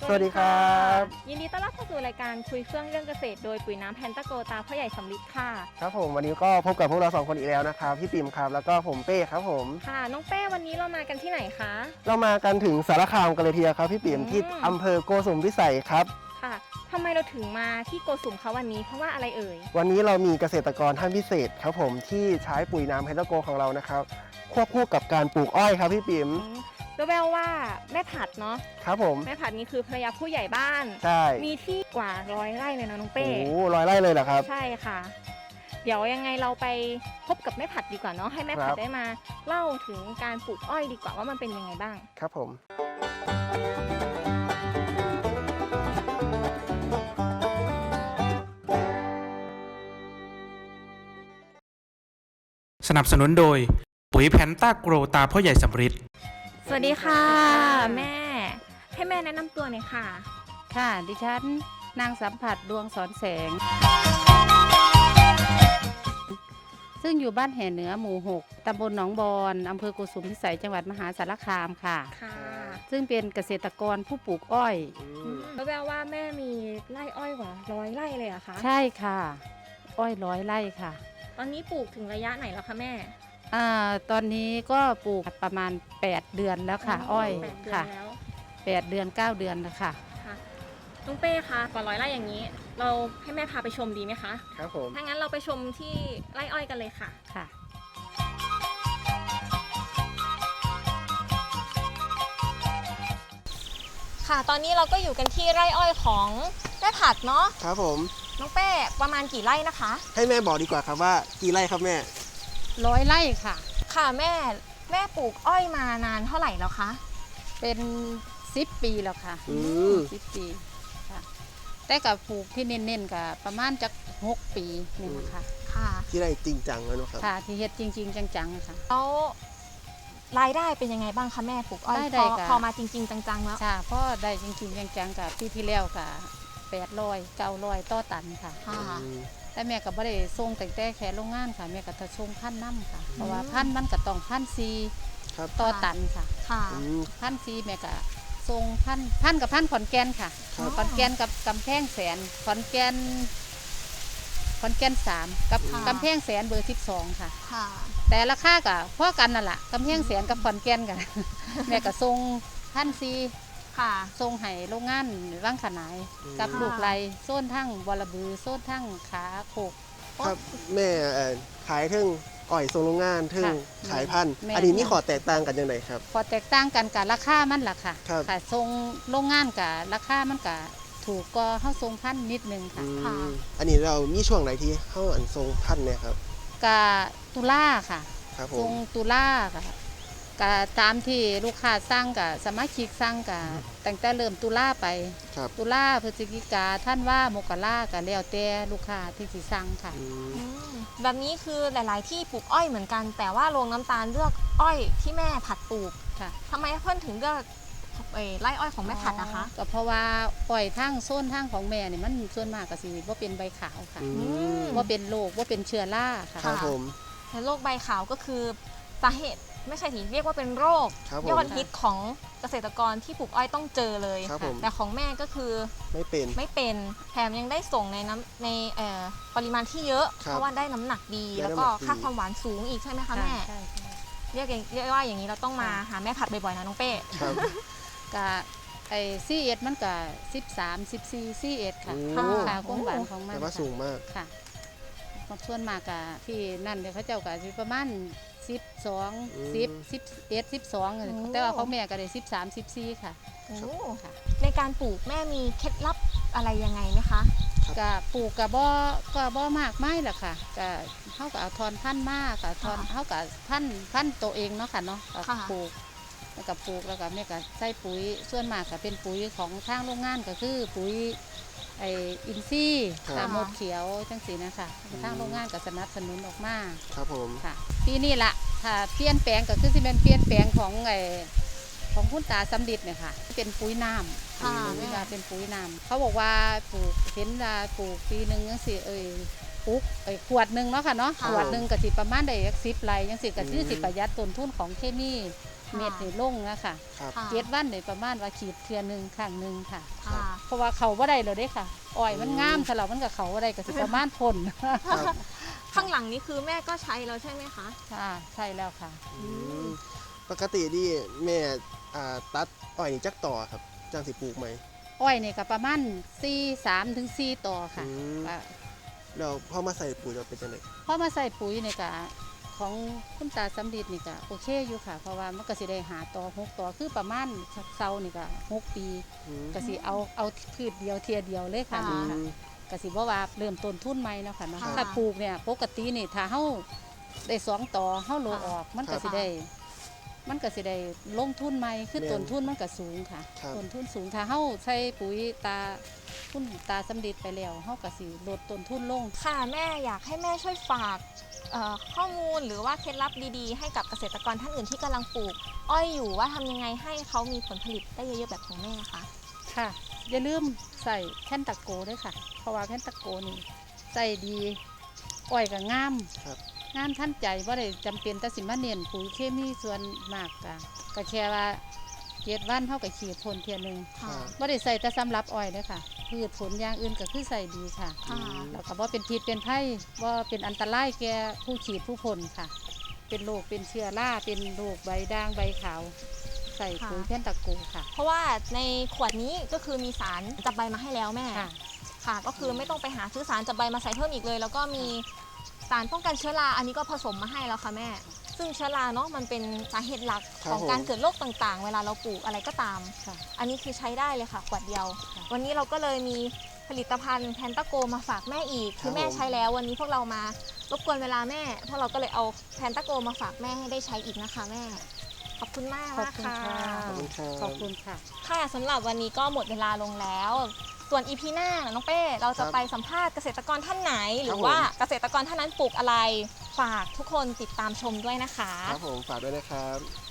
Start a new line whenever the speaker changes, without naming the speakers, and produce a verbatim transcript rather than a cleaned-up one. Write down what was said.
สวัสดีครับ
ยินดีต้อนรับเข้าสู่รายการคุยเฟื่องเรื่องเกษตรโดยปุ๋ยน้ำแพนตาโกตาพ่อใหญ่สำลิดค่ะ
ครับผมวันนี้ก็พบกับพวกเราสองคนอีกแล้วนะครับพี่ปิ่มครับแล้วก็ผมเป้ครับผม
ค่ะน้องเป้วันนี้เรามากันที่ไหนคะ
เรามากันถึงสารคามกันเลยทีเดียวครับพี่ปิ่มที่อำเภอโกสุมพิสัยครับ
ค่ะทำไมเราถึงมาที่โกสุมเขาวันนี้เพราะว่าอะไรเอ่ย
วันนี้เรามีเกษตรกรท่านพิเศษครับผมที่ใช้ปุ๋ยน้ำแพนตาโกของเรานะครับควบคู่กับการปลูกอ้อยครับพี่ปิ่ม
แววว่าแม่ผัดเนาะ
ครับผม
แม่ผัดนี้คือภรรยาผู้ใหญ่บ้าน
ใช่
มีที่กว่าร้อยไร่เลยนะน้องเป้
โอ้ร้อยไร่เลยเหรอครับ
ใช่ค่ะเดี๋ยวยังไงเราไปพบกับแม่ผัดดีกว่าเนาะให้แม่ผัดได้มาเล่าถึงการปลูกอ้อยดีกว่าว่ามันเป็นยังไงบ้าง
ครับผม
สนับสนุนโดยปุ๋ยแพนต้าโกรตาพ่อใหญ่สำริด
สวัสดีค่ะแม่ให้แม่แนะนำตัวหน่อยค่ะ
ค่ะดิฉันนางสัมผัสดวงสอนแสงซึ่งอยู่บ้านแห่เหนือหมู่หกตำบลหนองบอนอำเภอโกสุมพิสัยจังหวัดมหาสารคามค่ะ
ค่ะ
ซึ่งเป็นเกษตรกรผู้ปลูกอ้อย
แปลว่าแม่มีไร่อ้อยกว่าร้อยไร่เลยอะคะ
ใช่ค่ะอ้อยร้อยไร่ค่ะ
ตอนนี้ปลูกถึงระยะไหนแล้วคะแม่
อ่าตอนนี้ก็ปลูกประมาณแปดเดือนแล้วค่ะอ้อยค่ะแปดเดือนเก้าเดือนแล้วค่ะ
ลุงเป้คะกว่าร้อยไร่อย่างนี้เราให้แม่พาไปชมดีไหมคะ
ครับผม
ถ้างั้นเราไปชมที่ไร่อ้อยกันเลยค่ะ
ค่ะ
ค่ะตอนนี้เราก็อยู่กันที่ไร่อ้อยของแม่ผัดเนาะ
ครับผม
น้องเป้ประมาณกี่ไร่นะคะ
ให้แม่บอกดีกว่าครับว่ากี่ไร่ครับแม่
ร้อยไร่ค่ะ
ค่ะแม่แม่ปลูกอ้อยมานานเท่าไหร่แล้วคะ
เป็นสิบปีแล้วค่ะ
อืม
สิบปีค่ะแต่กับปลูกที่เน้นๆกับประมาณจักหกปีนี่นะคะ
ค่ะ
ที่ได้จริงจังแล้วนะครับ
ค่ะที่เฮ็ดจริงๆจังๆค่ะ
แล้วรายได้เป็นยังไงบ้างคะแม่ปลูกอ้อยพอพอมาจริงๆจังๆแล้ว
ค่ะพ่อได้จริงๆจังๆกับปีที่แล้วกับแปดร้อยเก้าร้อยต่อตันค่ะแต่แม่ก็บ่ได้ส่งแต่แต่แค่โรงงานค่ะแม่ก็จะส่งพันน้ำค่ะเพราะว่าพันมันก็ต้องพันซีต่อตันค่ะพันซีแม่ก็ส่งพันพันกับพันขอนแก่นค่ะขอนแก่นกับกำแพงแสนขอนแก่นขอนแก่นสามกับกำแพงแสนเบอร์สิบสองค่ะแต่ราคากับพ่อกันนั่นแหละกำแพงแสนกับขอนแก่นกันแม่ก็ส่งพันซีทรงไห้โรงงานว่างขนายกับลูกไรโซนทั้งบอระบือโซนทั้งขาโขก
ครับแม่ขายถึงอ้อยทรงโรงงานถึงขายพันธุ์อันนี้มีขอแตกต่างกันยังไงครับ
ขอแตกต่างกันกับราคามันล่ะค่ะขายทรงโรงงานกับราคามันกับถูกก็เข้าทรงพันธุ์นิดนึงค่ะ
อันนี้เรามีช่วงไหนที่เข้าอันทรงพันธุ์เนี่ยครับ
กับตุลาค่ะทรงตุลาค่ะกับตามที่ลูกค้าสร้างกับสมาชิกสร้างกับตั้งแต่เริ่มตุลาไปตุลาพฤศจิกาท่านว่ามกรากับแล้วแต่ลูกค้าที่สิสั่งค่ะ
แบบนี้คือหลายๆที่ปลูกอ้อยเหมือนกันแต่ว่าโรงน้ำตาลเลือกอ้อยที่แม่ผัดปลูก
ค่ะ
ทำไมเพื่อนถึงเลือกไร่อ้อยของแม่ผัดนะคะ
ก็เพราะว่าอ้อยทั้งโซนทั้งของแม่เนี่ยมันส่วนมากก็สิว่าเป็นใบขาวค่ะว่าเป็นโรคว่าเป็นเชื้อราค่ะ
ครับผม
แต่โรคใบขาวก็คือสาเหตุไม่ใช่ที่เรียกว่าเป็นโรคยอดฮิตของเกษตรกรที่ปลูกอ้อยต้องเจอเลยแต่ของแม่ก็คือ
ไม่เป็น
ไม่เป็นแถมยังได้ส่งในน้ำในปริมาณที่เยอะเพราะว่าได้น้ำหนักดีแล้วก็ค่าความหวานสูงอีกใช่ไหมคะแม่เรียกเรียกว่าอย่างนี้เราต้องมาหาแม่ผัดบ่อยๆนะน้องเป้
กะไอซีเอ็ดมันกะสิบสามสิบสี่ซีเอ็ดค่ะค่าความหวานของมัน
แต่ว่าสูงมาก
ค่ะส่วนมากกะที่นั่นเดี๋ยวเขาเจ้ากะประมาณสิบสองสิบสิบเอ็ดสิบสองแต่ว่าเขาแม่ก็ได้สิบสามสิบสี่ค่ะ
ในการปลูกแม่มีเคล็ดลับอะไรยังไงไหมคะ
กะปลูกกะบ่ก็บ่มากไม่หรอกค่ะกะเขาก็เอาทอนพันธุ์มากกะทอนเขากะพันธุ์พันธุ์ตัวเองเนาะค่ะเนาะปลูกแล้วก็ปลูกแล้วก็แม่ก็ใส่ปุ๋ยส่วนมากก็เป็นปุ๋ยของทางโรงงานก็คือปุ๋ยไออินซีตามหมดเขียวจังสีนะคะทางโรงงานก็สนับสนุนออกมา
ครับผม
ค่ะปีนี้ละถ้าเปลี่ยนแปลงก็คือสิเป็นเปลี่ยนแปลงของไอของคุณตาสำลิดเนี่ยค่ะเป็นปุ๋ยน้ำค่ะเวลาเป็นปุ๋ยน้ำเขาบอกว่าปลูกเห็นว่าปลูกปีหนึ่งจังสีเอ่ยปลูกไอขวดหนึ่งเนาะค่ะเนาะขวดหนึ่งก็สิประมาณได้สิบไร่จังสีก็คือสิประหยัดต้นทุนของเคมีเม็ดนี่ลงนะคะ
ครับ
ค่ะ
เจ็ดวันนี่ประมาณว่าขีดเทื่อหนึงครั้งหนึงค่ะ
ค่ะ
เพราะว่าเขาบ่ได้เลยเด้ค่ะอ้อยมันงามสลับมันกับเขาบ่ได้ก็สิประมาณพ่น
ครับ
ข้างหลังนี้คือแม่ก็ใช้แล้วใช่ไหมคะ
ค่ะใช่แล้วค่ะ
อืมปกติที่แม่อ่าตัดอ้อยนี่จักต่อครับจังสิปลูกไหม
อ้อยนี่ก็ประมาณสี่ สามถึงสี่ต่อค่ะ
อืม
ก็
แล้วพอมาใส่ปุ๋ยเราเป็นจังได
พอมาใส่ปุ๋ยนี่ก็ของคุณตาสำลีนี่ก็โอเคอยู่ค่ะ เพราะว่ามันก็สิได้หาต่อหกต่อคือประมาณเซานี่ก็หกปี
อืม
ก็สิเอาเอาพืชเดียวเทียเดียวเลยค่ะ
อื
นี่
ม
ค่ะก็สิบ่ว่าเริ่มต้นทุนใหม่เนาะค่ะเนาะ
ค่ะ
ถ้าปลูกเนี่ยปกตินี่ถ้าเฮาได้สองต่อเฮาโลออก มันก็สิได้ มันก็สิได้ลงทุนใหม่คือต้นทุนมันก็สูงค่ะ
ครับ
ต้นทุนสูงถ้าเฮาใช้ปุ๋ยตาคุณตาสำลีไปแล้วเฮาก็สิลดต้นทุนลง
ค่ะแม่อยากให้แม่ช่วยฝากเอ่อข้อมูลหรือว่าเคล็ดลับดีๆ ให้กับเกษตรกรท่านอื่นที่กำลังปลูก อ้อยอยู่ว่าทำยังไงให้เขามีผลผลิตได้เยอะๆแบบของแม่คะ
ค่ะอย่าลืมใส่แผ่นตะโกด้วยค่ะ เพราะว่าแผ่นตะโกนี่ใส่ดีอ้อยก็งาม
ครับ
งามท่านใจว่าได้จำเป็นแต่สิมาเน้นปุ๋ยเคมีส่วนมากกะก็แค่ว่าเจ็ดวันเท่ากับขีดพ่นเทียหนึง
ค่ะ
ว่าได้ใส่แต่สำหรับอ้อยเลยค่ะพืชผลอย่างอื่นก็คือใส่ดีค่ะ
ค่ะ
แล้วก็ว่าเป็นพิษเป็นไผ่ว่าเป็นอันตรายแก่ผู้ขีดผู้ผลค่ะ เป็นโรคเป็นเชื้อราเป็นโรคใบด่างใบขาว ใส่ปุ๋ยแผ่นตะโกค่ะ
เพราะว่าในขวดนี้ก็คือมีสารจับใบมาให้แล้วแม่
ค่ะ
ค่ะ ก็คือไม่ต้องไปหาซื้อสารจับใบมาใส่เพิ่มอีกเลย แล้วก็มีสารป้องกันเชื้อราอันนี้ก็ผสมมาให้แล้วค่ะแม่ ซึ่งเชื้อราเนาะมันเป็นสาเหตุหลัก
ครับ
ของการ
ผม
เกิดโรคต่างๆ เวลาเราปลูกอะไรก็ตาม
ค่ะ
อันนี้คือใช้ได้เลยค่ะขวดเดียว
ค่ะ
วันนี้เราก็เลยมีผลิตภัณฑ์แพนตาโกมาฝากแม่อีก คือแม่ใช้แล้ววันนี้พวกเรามารบกวนเวลาแม่พวกเราก็เลยเอาแพนตาโกมาฝากแม่ให้ได้ใช้อีกนะคะแม่ ขอบคุณมาก
ขอบ
มาก
คุณ
ค่ะ
ค่ะ
ขอบคุณครับ
ขอบคุณค่ะ
ค่ะสำหรับวันนี้ก็หมดเวลาลงแล้ว ส่วนอีพีหน้าน้องเป้เราจะ
ครับ
ไปสัมภาษณ์เกษตรกรท่านไหน หรื
ครั
อบ
ผม
ว่าเกษตรกรท่านนั้นปลูกอะไร ฝากทุกคนติดตามชมด้วยนะคะ
ครับผมฝากด้วยนะครับ